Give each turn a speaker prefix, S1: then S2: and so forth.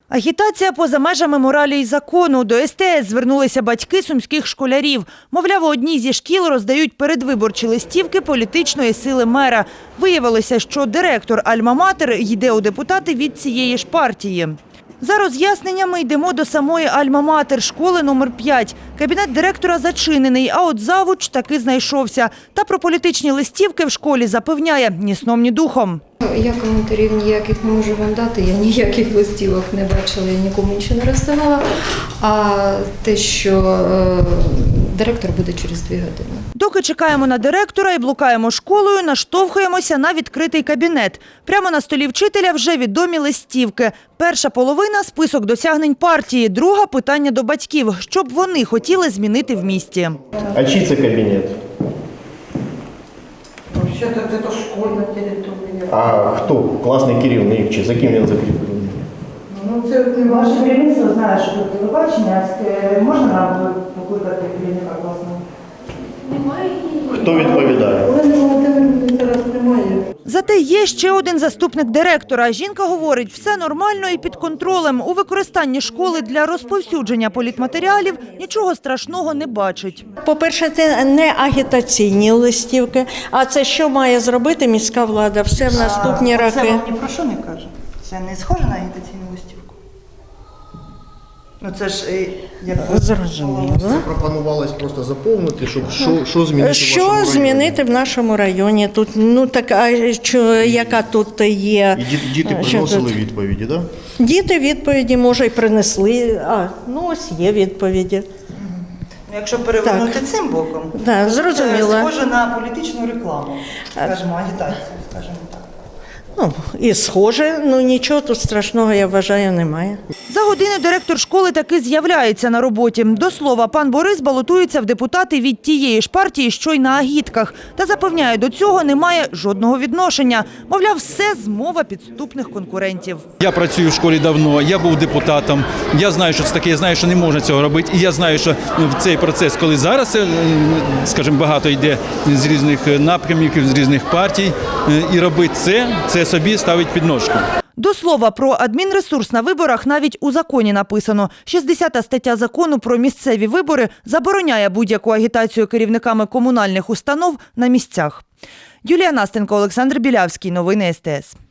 S1: Агітація поза межами моралі й закону. До СТС звернулися батьки сумських школярів. Мовляв, у одній зі шкіл роздають передвиборчі листівки політичної сили мера. Виявилося, що директор Альма-Матер йде у депутати від цієї ж партії. За роз'ясненнями йдемо до самої Альма-Матер, школи номер 5. Кабінет директора зачинений, а от завуч таки знайшовся. Та про політичні листівки в школі запевняє – ні сном, ні духом.
S2: Я коментарів ніяких не можу вам дати, я ніяких листівок не бачила, я нікому нічого не розставала. А те, що директор буде через 2 години.
S1: Доки чекаємо на директора і блукаємо школою, наштовхуємося на відкритий кабінет. Прямо на столі вчителя вже відомі листівки. Перша половина – список досягнень партії, друга – питання до батьків, що б вони хотіли змінити в місті.
S3: А чий це кабінет?
S4: Вообще-то это школьна територія.
S3: А хто? Класний керівник, чи за ким він закріплений?
S4: Ну, це
S5: Ваше керівництво знає, що тут телебачення. Можна нам покликати керівника класного?
S2: Немає.
S3: Хто відповідає?
S4: Олени Володимирівни зараз немає.
S1: Зате є ще один заступник директора. Жінка говорить, все нормально і під контролем. У використанні школи для розповсюдження політматеріалів нічого страшного не бачить.
S6: По-перше, це не агітаційні листівки, а це що має зробити міська влада все в наступні
S5: Це
S6: роки.
S5: вам ні про що не каже? Це не схоже на агітаційну листівку? Ну це ж як
S6: Зрозуміло.
S7: Пропонувалось просто заповнити, щоб що змінити в вашому
S6: Що
S7: районі.
S6: змінити в нашому районі? Тут, ну така, яка тут є.
S7: І діти
S6: Що
S7: приносили
S6: тут?
S7: відповіді, так? Да?
S6: Діти відповіді, може, й принесли. Ну ось є відповіді.
S5: якщо перевернути цим боком,
S6: Да, зрозуміло.
S5: це схоже на політичну рекламу, скажімо, агітацію, скажімо так.
S6: Ну, і схоже, ну нічого тут страшного, я вважаю, немає.
S1: За годину директор школи таки з'являється на роботі. До слова, пан Борис балотується в депутати від тієї ж партії, що й на агітках. Та запевняє, до цього немає жодного відношення. Мовляв, все змова підступних конкурентів.
S8: Я працюю в школі давно, я був депутатом, я знаю, що це таке, я знаю, що не можна цього робити. І я знаю, що в цей процес, коли зараз, скажімо, багато йде з різних напрямків, з різних партій, і робити це собі ставить підножку.
S1: До слова, про адмінресурс на виборах навіть у законі написано. 60-та стаття закону про місцеві вибори забороняє будь-яку агітацію керівниками комунальних установ на місцях. Юлія Настенко, Олександр Білявський. Новини СТС.